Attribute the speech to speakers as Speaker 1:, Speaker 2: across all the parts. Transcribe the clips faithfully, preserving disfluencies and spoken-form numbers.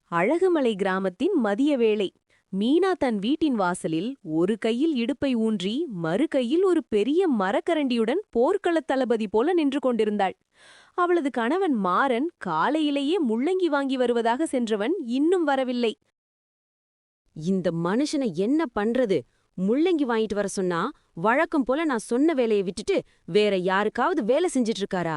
Speaker 1: அழகுமலை கிராமத்தின் மதிய வேளை. மீனா தன் வீட்டின் வாசலில் ஒரு கையில் இடுப்பை ஊன்றி மறு கையில் ஒரு பெரிய மரக்கரண்டியுடன் போர்க்களத் தளபதி போல நின்று கொண்டிருந்தாள். அவளது கணவன் மாறன் காலையிலேயே முள்ளங்கி வாங்கி வருவதாக சென்றவன் இன்னும் வரவில்லை.
Speaker 2: இந்த மனுஷனை என்ன பண்றது? முள்ளங்கி வாங்கிட்டு வர சொன்னா வழக்கம் போல நான் சொன்ன வேலையை விட்டுட்டு வேற யாருக்காவது வேலை செஞ்சிட்டு இருக்காரா?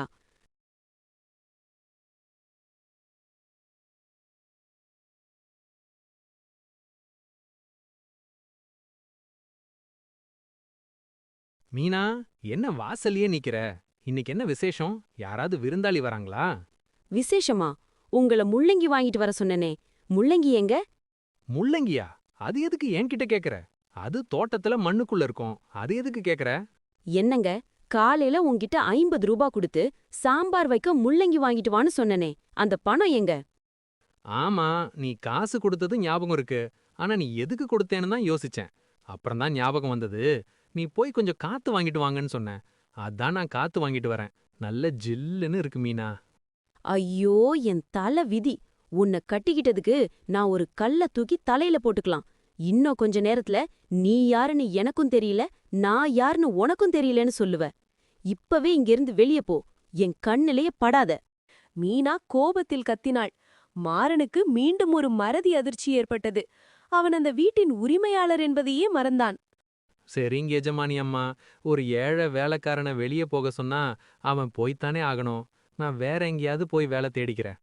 Speaker 3: மீனா, என்ன வாசல்லயே நிக்கிற? இன்னைக்கு என்ன விசேஷம்? யாராவது விருந்தாளி வராங்களா?
Speaker 2: விசேஷமா? உங்கள முள்ளங்கி வாங்கிட்டு வர சொன்னனே, முள்ளங்கி எங்க?
Speaker 3: முள்ளங்கியா? அது எதுக்கு என்கிட்ட கேக்குற? அது தோட்டத்துல மண்ணுக்குள்ள இருக்கும். அது எதுக்கு கேக்குற?
Speaker 2: என்னங்க, காலையில உன்கிட்ட ஐம்பது ரூபா குடுத்து சாம்பார் வைக்க முள்ளங்கி வாங்கிட்டு வான்னு சொன்னனே, அந்த பணம் எங்க?
Speaker 3: ஆமா, நீ காசு கொடுத்தது ஞாபகம் இருக்கு. ஆனா நீ எதுக்கு கொடுத்தேன்னு தான் யோசிச்சேன். அப்புறம் தான் ஞாபகம் வந்தது. நீ போய் கொஞ்சம் காத்து வாங்கிட்டு வாங்கன்னு சொன்ன. அதான் நான் காத்து வாங்கிட்டு வரேன். நல்ல ஜில்லுன்னு இருக்கு மீனா.
Speaker 2: ஐயோ, என் தல விதி! உன்னை கட்டிக்கிட்டதுக்கு நான் ஒரு கல்ல தூக்கி தலையில போட்டுக்கலாம். இன்னும் கொஞ்ச நேரத்துல நீ யாருன்னு எனக்கும் தெரியல, நான் யாருன்னு உனக்கும் தெரியலன்னு சொல்லுவ. இப்பவே இங்கிருந்து வெளிய போ, என் கண்ணிலேயே படாத.
Speaker 1: மீனா கோபத்தில் கத்தினாள். மாறனுக்கு மீண்டும் ஒரு மறதி அதிர்ச்சி ஏற்பட்டது. அவன் அந்த வீட்டின் உரிமையாளர் என்பதையே மறந்தான்.
Speaker 3: சரிங்க எஜமானி அம்மா, ஒரு ஏழை வேலைக்காரனை வெளியே போக சொன்னா அவன் போய்த்தானே ஆகணும். நான் வேற எங்கேயாவது போய் வேலை தேடிக்கிறேன்.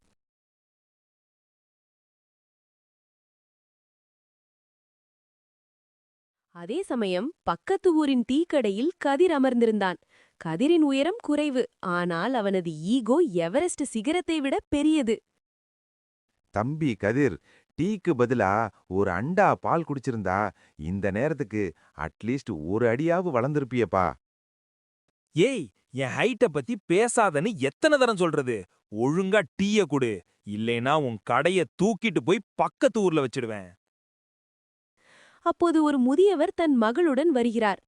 Speaker 1: அதே சமயம் பக்கத்து ஊரின் டீக்கடையில் கதிர் அமர்ந்திருந்தான். கதிரின் உயரம் குறைவு, ஆனால் அவனது ஈகோ எவரெஸ்ட் சிகரத்தை விட பெரியது.
Speaker 4: தம்பி கதிர், டீக்கு பதிலா ஒரு அண்டா பால் குடிச்சிருந்தா இந்த நேரத்துக்கு அட்லீஸ்ட் ஒரு அடியாவது வளர்ந்திருப்பியப்பா.
Speaker 5: ஏய், என் ஹைட்ட பத்தி பேசாதன்னு எத்தனை தரம் சொல்றது? ஒழுங்கா டீய குடு, இல்லைனா உன் கடைய தூக்கிட்டு போய் பக்கத்து ஊர்ல வச்சிடுவேன்.
Speaker 1: அப்போது ஒரு முதியவர் தன் மகளுடன் வருகிறார்.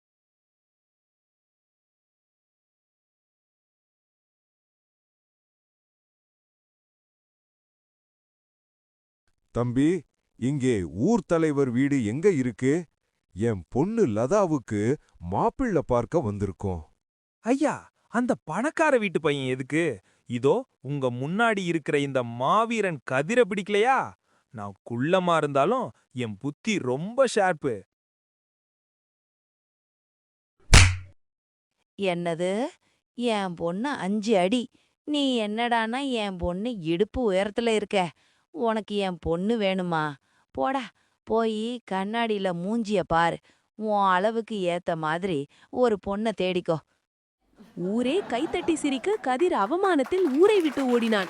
Speaker 6: தம்பி, இங்கே ஊர் தலைவர் வீடு எங்க இருக்கு? என் பொண்ணு லதாவுக்கு மாப்பிள்ளை பார்க்க வந்திருக்கோம்.
Speaker 5: ஐயா, அந்த பணக்கார வீட்டு பையன் எதுக்கு? இதோ உங்க முன்னாடி இருக்கிற இந்த மாவீரன் கதிர பிடிக்கலையா? நான் குள்ளமா இருந்தாலும் என் புத்தி ரொம்ப ஷார்ப்பு.
Speaker 7: என்னது? என் பொண்ணு அஞ்சு அடி, நீ என்னடானா என் பொண்ணு இடுப்பு உயரத்துல இருக்க? உனக்கு என் பொண்ணு வேணுமா? போடா, போய் கண்ணாடியில மூஞ்சிய பாரு. உன் அளவுக்கு ஏத்த மாதிரி ஒரு பொண்ண தேடிக்கோ.
Speaker 1: ஊரே கைத்தட்டி சிரிக்க கதிர் அவமானத்தில் ஊரை விட்டு ஓடினான்.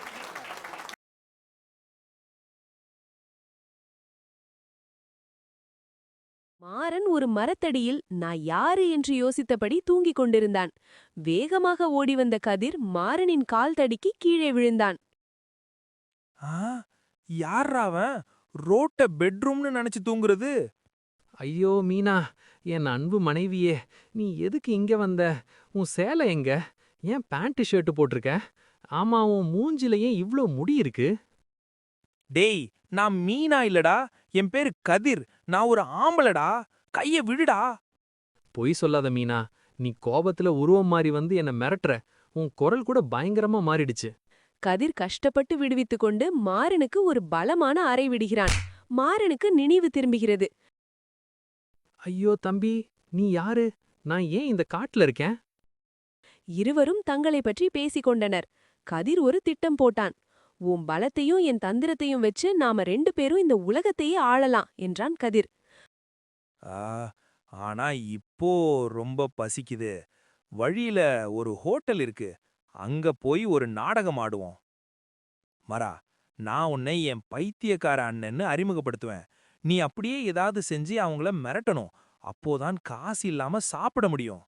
Speaker 1: மாறன் ஒரு மரத்தடியில் நான் யாரு என்று யோசித்தபடி தூங்கிக் கொண்டிருந்தான். வேகமாக ஓடி வந்த கதிர் மாறனின் கால் தடுக்கி கீழே விழுந்தான்.
Speaker 5: ஆ, யார்ரா அவன்? ரோட்ட பெட்ரூம்னு நினைச்சு தூங்குறது?
Speaker 3: ஐயோ மீனா, என் அன்பு மனைவியே, நீ எதுக்கு இங்க வந்த? உன் சேலை எங்க? ஏன் பேண்ட் ஷர்ட் போட்டிருக்க? ஆமா, உன் மூஞ்சில ஏன் இவ்ளோ முடி இருக்கு?
Speaker 5: டேய், நான் மீனா இல்லடா, என் பேரு கதிர். நான் ஒரு ஆம்பளடா, கைய விடுடா.
Speaker 3: பொய் சொல்லாத மீனா, நீ கோபத்துல உருவம் மாறி வந்து என்ன மிரட்டுற. உன் குரல் கூட பயங்கரமா மாறிடுச்சு.
Speaker 1: கதிர் கஷ்டப்பட்டு விடுவித்துக் கொண்டு மாறனுக்கு ஒரு பலமான அறை விடுகிறான். மாறனுக்கு நினைவு திரும்புகிறது.
Speaker 3: ஐயோ தம்பி, நீ யாரு? நான் ஏன் இந்த காட்டுல இருக்கேன்?
Speaker 1: இருவரும் தங்களை பற்றி பேசிக் கொண்டனர். கதிர் ஒரு திட்டம் போட்டான். உன் பலத்தையும் என் தந்திரத்தையும் வச்சு நாம ரெண்டு பேரும் இந்த உலகத்தையே ஆளலாம் என்றான் கதிர்.
Speaker 5: ஆ, ஆனா இப்போ ரொம்ப பசிக்குது. வழியில ஒரு ஹோட்டல் இருக்கு, அங்க போய் ஒரு நாடகம் ஆடுவோம். மரா, நான் உன்னை என் பைத்தியக்கார அண்ணன்னு அறிமுகப்படுத்துவேன். நீ அப்படியே ஏதாவது செஞ்சு அவங்கள மிரட்டணும். அப்போதான் காசு இல்லாம சாப்பிட முடியும்.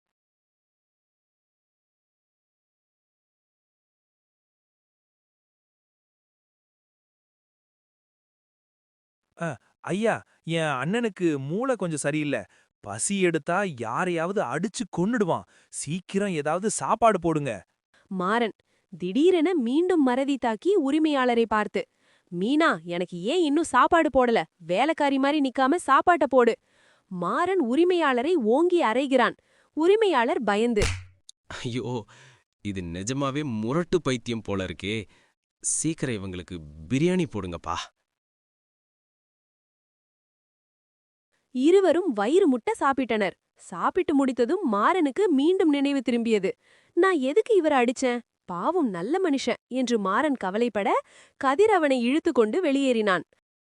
Speaker 5: அ, ஐயா, என் அண்ணனுக்கு மூளை கொஞ்சம் சரியில்லை. பசி எடுத்தா யாரையாவது அடிச்சு கொன்னுடுவான். சீக்கிரம் ஏதாவது சாப்பாடு போடுங்க.
Speaker 1: மாறன் திடீரென மீண்டும் மறதி தாக்கி உரிமையாளரை பார்த்து, மீனா, எனக்கு ஏன் இன்னும் சாப்பாடு போடல? வேலைக்காரி மாதிரி நிக்காம சாப்பாட்ட போடு. மாறன் உரிமையாளரை ஓங்கி அறைகிறான். உரிமையாளர் பயந்து,
Speaker 8: ஐயோ, இது நிஜமாவே முரட்டு பைத்தியம் போல இருக்கே. சீக்கிரம் இவங்களுக்கு பிரியாணி போடுங்கப்பா.
Speaker 1: இருவரும் வயிறு முட்ட சாப்பிட்டனர். சாப்பிட்டு முடித்ததும் மாறனுக்கு மீண்டும் நினைவு திரும்பியது. நான் எதுக்கு இவரை அடிச்சேன்? பாவம் நல்ல மனுஷன் என்று மாறன் கவலைப்பட, கதிர் அவனை இழுத்துக்கொண்டு வெளியேறினான்.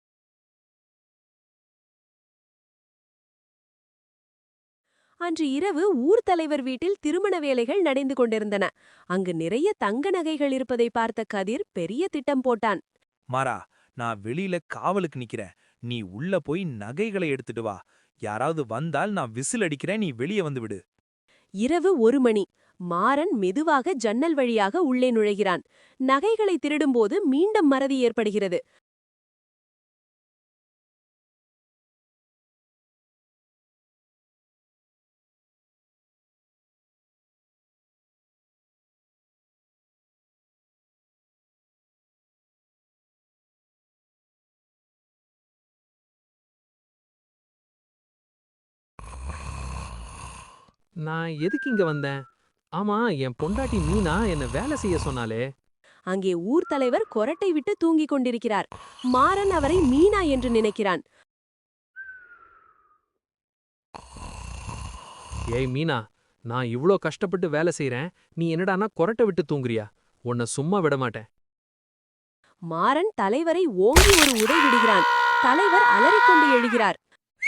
Speaker 1: அன்று இரவு ஊர் தலைவர் வீட்டில் திருமண வேலைகள் நடந்து கொண்டிருந்தன. அங்கு நிறைய தங்க நகைகள் இருப்பதை பார்த்த கதிர் பெரிய திட்டம் போட்டான்.
Speaker 5: மாறா, நான் வெளியில காவலுக்கு நிக்கிறேன். நீ உள்ள போய் நகைகளை எடுத்துட்டு வா. யாராவது வந்தால் நான் விசில் அடிக்கிறேன், நீ வெளியே வந்து விடு.
Speaker 1: இரவு ஒரு மணி. மாறன் மெதுவாக ஜன்னல் வழியாக உள்ளே நுழைகிறான். நகைகளை திருடும்போது மீண்டும் மறதி ஏற்படுகிறது.
Speaker 3: நான் எதுக்கு இங்க வந்தேன்? ஆமா, என் பொண்டாட்டி மீனா என்ன வேலை செய்ய சொன்னாலே.
Speaker 1: அங்கே ஊர் தலைவர் கொரட்டை விட்டு தூங்கிக் கொண்டிருக்கிறார். மாறன் அவரை மீனா என்று நினைக்கிறான்.
Speaker 3: ஏய் மீனா, நான் இவ்ளோ கஷ்டப்பட்டு வேலை செய்றேன், நீ என்னடானா கொரட்டை விட்டு தூங்குறியா? உன்னை சும்மா விட மாட்டேன்.
Speaker 1: மாறன் தலைவரை ஓங்கி ஒரு உதை விடுகிறான். தலைவர் அலறிக்கொண்டு எழுகிறார்.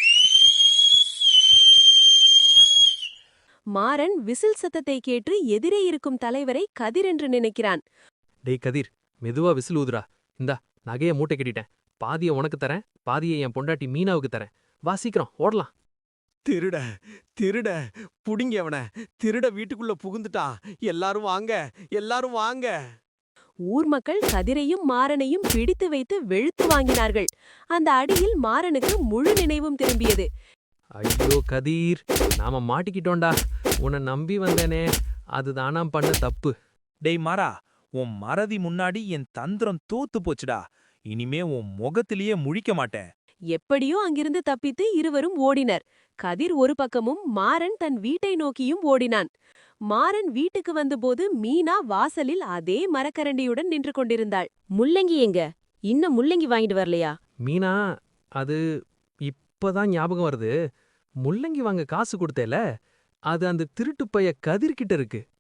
Speaker 1: மாறன் விசில் சத்தத்தை கேட்டு எதிரே இருக்கும் தலைவரை கதிர் என்று நினைக்கிறான்.
Speaker 3: டேய் கதிர், மெதுவா விசில் ஊதுடா. இந்தா, நகைய மூட்டை கட்டிட்டேன். பாதிய உனக்கு தரேன், பாதியை என் பொண்டாட்டி மீனாவுக்கு தரேன். வா சீக்கிரம் ஓடலாம்.
Speaker 9: திருட திருட புடிங்க அவன. திருட வீட்டுக்குள்ள புகுந்துட்டான். எல்லாரும் வாங்க, எல்லாரும் வாங்க.
Speaker 1: ஊர் மக்கள் கதிரையும் மாறனையும் பிடித்து வைத்து வெளுத்து வாங்கினார்கள். அந்த அடியில் மாறனுக்கு முழு நினைவும் திரும்பியது.
Speaker 3: ஐயோ கதீர், நாம மாட்டிக்கிட்டோண்டா. உன்னை நம்பி வந்தேனே, அதுதானா பண்ண தப்பு.
Speaker 5: டேய் மாறா, உன் மறதி முன்னாடி என் தந்திரம் தோத்து போச்சுடா. இனிமே உன் முகத்திலேயே முழிக்க மாட்டேன்.
Speaker 1: எப்படியோ அங்கிருந்து தப்பித்து இருவரும் ஓடினர். கதிர் ஒரு பக்கமும் மாறன் தன் வீட்டை நோக்கியும் ஓடினான். மாறன் வீட்டுக்கு வந்தபோது மீனா வாசலில் அதே மரக்கரண்டியுடன் நின்று கொண்டிருந்தாள்.
Speaker 2: முள்ளங்கி எங்க? இன்னும் முள்ளங்கி வாங்கிட்டு வரலையா?
Speaker 3: மீனா, அது இப்பதான் ஞாபகம் வருது. முள்ளங்கி வாங்க காசு கொடுத்தேல, அது அந்த திருட்டுப்பைய கதிர்கிட்ட இருக்கு.